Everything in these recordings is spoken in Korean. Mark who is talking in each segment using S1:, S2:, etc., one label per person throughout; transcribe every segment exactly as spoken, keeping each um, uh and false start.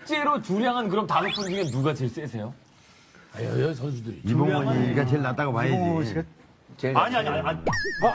S1: 실제로 주량은 그럼 다섯 분 중에 누가 제일 세세요?
S2: 아, 여여 선수들이.
S3: 이봉원이가 제일 낫다고 봐야지.
S4: 제일 아니 아니 아니. 아니.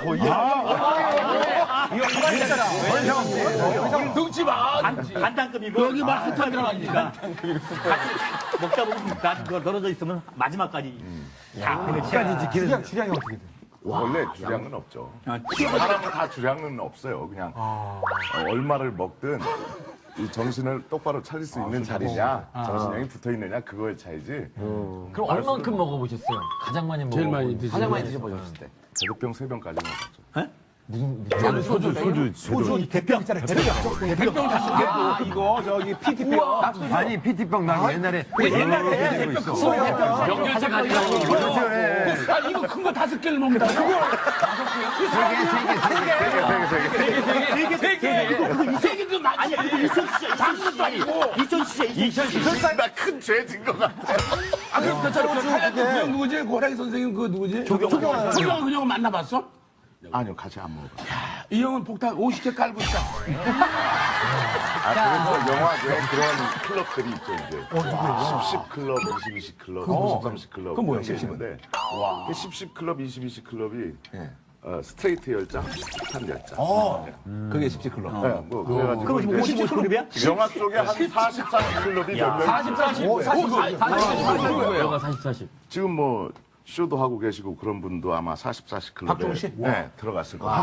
S2: 등치 봐.
S4: 간단급이고 여기 막 한참 들어가니까. 같이 먹다 보면 나 그거 떨어져 있으면 마지막까지. 야, 근데
S3: 끝까지 지키는.
S5: 주량, 주량이 어떻게 돼?
S6: 원래 주량은 없죠.
S4: 아,
S6: 사람은 다 주량은 없어요. 그냥 어, 얼마를 먹든 이 정신을 똑바로 차릴 수 있는 자리냐, 정신력이 붙어 있느냐 그거의 차이지.
S1: 그럼 얼만큼 먹어보셨어요? 가장 많이 먹어.
S2: 제일 많이 드시는
S5: 가장 많이 드셔보셨을 때.
S6: 대두병 세 병까지 먹었죠.
S1: 무슨
S2: 저는 소주, 소주.
S5: 소주 대병 있잖아요. 대병.
S2: 백병 다섯 개.
S5: 아, 이거 저기 피티병.
S3: 아니, 피티병 나 옛날에.
S5: 옛날에
S3: 옛날에 있어.
S1: 명절제 가지고
S3: 그렇죠, 예.
S2: 아, 이거 큰 거 다섯 개를 먹는다. 그거
S3: 세 개, 세 개, 세 개.
S2: 세 개도 많이.
S4: 아니 근데 이천 시절 작은 것도 아니고 이천 시절 이천 시절
S6: 나큰 죄 진 것 같아.
S2: 아, 그럼 저, 저, 저, 하얀 그 누구지? 고라기 선생님 그 누구지? 조경원. 조경원 그 형은 만나봤어?
S6: 아니요, 같이 안 먹어봤어요.
S2: 이 형은 폭탄 오십 개 깔고 있다.
S6: 아, 그래서 영화에 그런 클럽들이 있죠, 이제. 십, 십 클럽, 이십, 이십 클럽, 삼십, 삼십 클럽. 그건 뭐야, 십, 십인데. 와. 십, 십 클럽, 이십, 이십 클럽이 어, 스트레이트 열장, 폭탄 열장.
S5: 어.
S6: 네.
S5: 그게 십칠 클럽.
S6: 네, 뭐, 그래가지고.
S4: 그럼 지금
S6: 이제
S4: 오십, 오십 클럽이야?
S6: 영화 쪽에 한 사십, 사십 클럽이 몇 명.
S1: 사십, 사십.
S5: 오, 사십, 사십.
S1: 영화 사십, 사십.
S6: 지금 뭐, 쇼도 하고 계시고 그런 분도 아마 사십, 사십 클럽에.
S5: 박종훈 씨?
S6: 네, 들어갔을 거예요.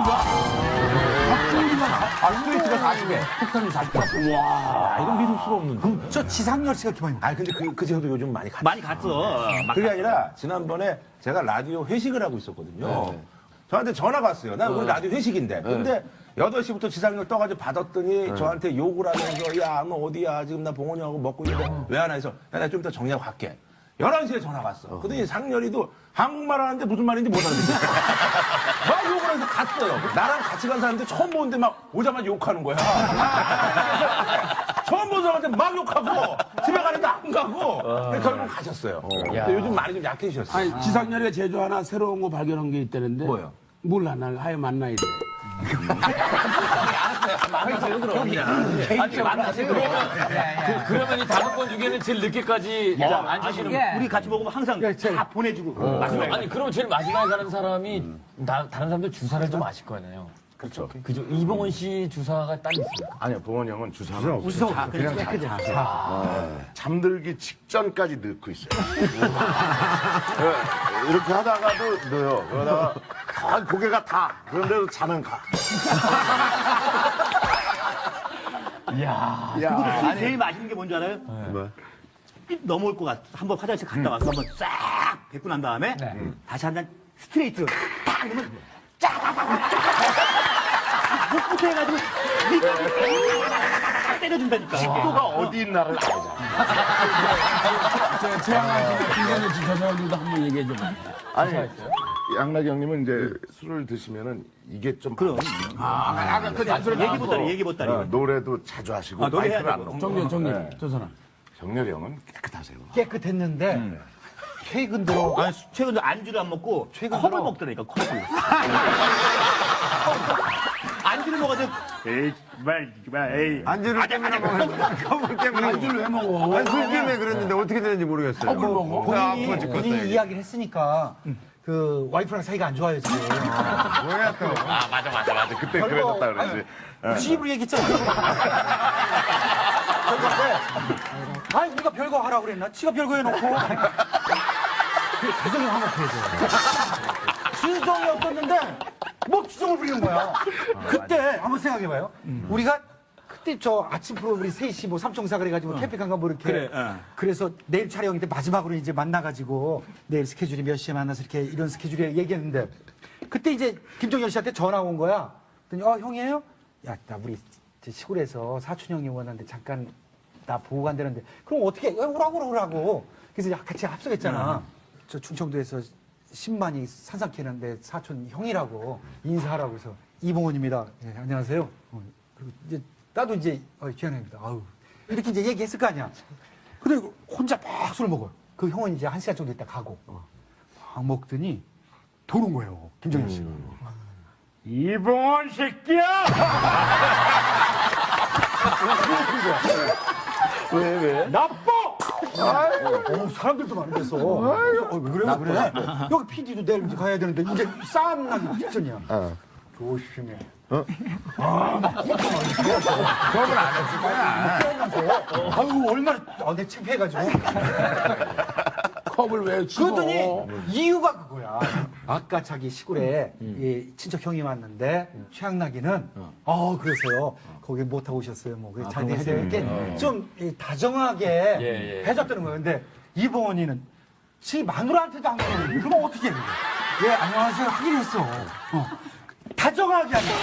S5: 아, 스트레이트가 사십 개. 폭탄이 사십 개.
S1: 아, 이건 믿을 수가 없는데.
S5: 저 지상렬 씨가 기만이
S7: 아니 근데 그, 그 친구도 요즘 많이 갔
S4: 많이 갔어.
S7: 그게 아니라 지난번에 제가 라디오 회식을 하고 있었거든요. 저한테 전화가 왔어요. 나 우리 라디오 회식인데. 근데 여덟 시부터 지상렬 떠가지고 받았더니 저한테 욕을 하면서 야, 너 어디야? 지금 나 봉원이 하고 먹고 있는데 왜 안 와? 해서 나 좀 이따 정리하고 갈게. 열한 시에 전화가 왔어. 그러더니 상렬이도 한국말 하는데 무슨 말인지 못 알아듣겠어. 막 욕을 해서 갔어요. 나랑 같이 간 사람들 처음 보는데 막 오자마자 욕하는 거야. 처음 본 사람한테 막 욕하고 집에 가는데 안 가고 결국 가셨어요. 근데 요즘 많이 좀 약해지셨어요.
S2: 아니, 지상렬이가 제주 하나 새로운 거 발견한 게 있다는데.
S7: 뭐요?
S2: 몰라, 날 하여 만나야 돼.
S1: 그러면 이 다섯 번 중에는 제일 늦게까지 앉으시는 분.
S4: 우리 같이 먹으면 항상 다 보내주고 마지막에.
S1: 아니, 그럼 제일 마지막에 가는 사람이 다, 다른 사람들 주사를 좀 아실 거 아니에요?
S6: 그렇죠.
S1: 그죠? 이봉원 씨 주사가 따로 있습니까?
S6: 아니요, 봉원 형은 주사는 없어요. 자, 그냥 자, 자, 자. 잠들기 직전까지 넣고 있어요. 네, 이렇게 하다가도 넣어요. 그러다가 아, 고개가 다. 그런데도 자는 가.
S1: 이야.
S4: 그거 제일 맛있는 게 뭔지 알아요?
S6: 뭐?
S4: 삐 넘어올 것 같아. 한번 화장실 갔다 와서 한번 싹 뱉고 난 다음에 다시 한 잔 스트레이트로 딱 그러면 목부터 해가지고 딱 때려준다니까.
S6: 식도가 어디 있나를 알잖아.
S2: 최양아 씨나 김현우 씨 저 사람들도 한번 얘기해 줘.
S6: 아니, 양락이 형님은 이제 술을 드시면은 이게 좀.
S4: 그럼.
S2: 아, 그
S4: 얘기 보따리, 얘기 보따리.
S6: 어, 노래도 자주 하시고.
S4: 아, 노래 해야
S6: 마이크를 안
S4: 되고.
S6: 놓고.
S2: 정렬, 정렬.
S6: 네.
S2: 저 사람.
S6: 정렬이 형은 깨끗하세요.
S5: 깨끗했는데 최근 들어
S4: 아니, 최근에 안주를 안 먹고
S5: 최근
S4: 컵을
S5: 들어.
S4: 먹더라니까, 컵을. 안주를 먹어도 에이, 말, 말, 에이.
S3: 안주를 때문에 먹는 컵을 때문에.
S2: 안주를 왜 먹어?
S3: 아니, 술 때문에 그랬는데 어떻게 되는지 모르겠어요.
S2: 컵을 먹어?
S5: 본인이,
S3: 죽겠어요,
S5: 본인이
S3: 이게.
S5: 이야기를 했으니까 그 와이프랑 사이가 안 좋아요 지금.
S3: 뭐야, 또.
S6: 아, 맞아, 맞아, 맞아. 그때 그랬었다 그랬지.
S5: 집으로 얘기했잖아. 그런데 아니 우리가 별거 하라고 그랬나? 지가 별거 해놓고 그 가정이 화목해져. 진정이 없었는데 뭐 주정을 부리는 거야. 그때 한번 생각해봐요. 우리가 그때 저 아침 프로 우리 셋이 뭐 삼총사 그래가지고 캠핑간가 뭐 이렇게
S4: 그래, 어.
S5: 그래서 내일 촬영인데 마지막으로 이제 만나가지고 내일 스케줄이 몇 시에 만나서 이렇게 이런 스케줄에 얘기했는데 그때 이제 김종현 씨한테 전화 온 거야. 그랬더니 어 형이에요? 야 나 우리 시골에서 사촌 형이 원하는데 잠깐 나 보고 간다는데 그럼 어떻게 해? 오라고 오라고 그래서 같이 합석했잖아. 저 충청도에서 십만이 산삼캐는데 사촌 형이라고 인사하라고 해서 이봉원입니다. 네, 안녕하세요. 어, 그리고 이제 나도 이제 어, 기현입니다. 아우 이렇게 이제 얘기했을 거 아니야. 근데 혼자 막 술을 먹어요. 그 형은 이제 한 시간 정도 있다 가고 막 먹더니 도는 거예요. 김정일 씨가.
S2: 이봉원 새끼야! 왜, 왜?
S5: 나빠! 어, 사람들도 많이 됐어. 어, 왜 그래, 왜 그래? 여기 피디도 내일 이제 가야 되는데, 이제 싸움 나기 직전이야. 조심해.
S3: 그건 안 했을 거야.
S5: 아유, 얼마나, 아, 내 창피해가지고.
S2: 컵을 왜 집어?
S5: 그랬더니 이유가 그거야. 아까 자기 시골에 이 친척 형이 왔는데 최양락이는 어 그러세요. 거기 못 하고 오셨어요. 뭐 그래 잘 돼야 되게 좀 이 다정하게
S1: 예, 예.
S5: 해줬다는 거예요. 근데 이봉원이는 지 마누라한테도 안 그러는데 그럼 어떻게 해? 예 안녕하세요 하긴 했어. 어. 다정하게 하냐.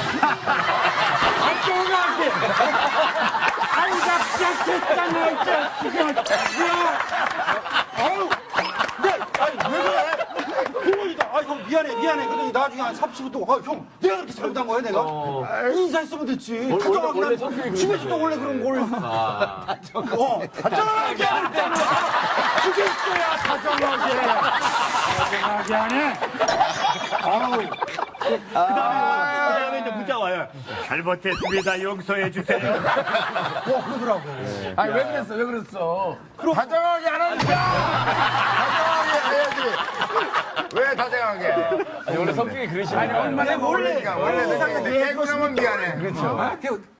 S5: 다정하게. 아이가 시작했잖아 이 자식아. 아유. 네, 아니, 왜 그래? 그거이다. 아, 형, 미안해, 미안해. 그러더니 나중에 한 삼 분 동안, 아, 형, 내가 그렇게 잘못한 거야, 내가? 인사했으면 됐지. 다정하게
S1: 원래
S5: 나
S1: 성격이
S5: 집에서도 원래 그런 걸. 어, 다정하게 하는 그게 있어야 다정하게. 다정하게 하네. 아우.
S4: 그 다음에, 그 다음에 이제 문자 와요. 잘못했습니다. 용서해 주세요.
S5: 어, 그러더라고.
S2: 아니, 왜 그랬어, 왜 그랬어?
S3: 다정하게 안 하니까. 다정하게 해야지. 왜 다정하게?
S1: 아니, 원래 성격이 그러시나요?
S3: 원래 원래 원래 내가 원래 깨고 나면 미안해.
S5: 그렇죠.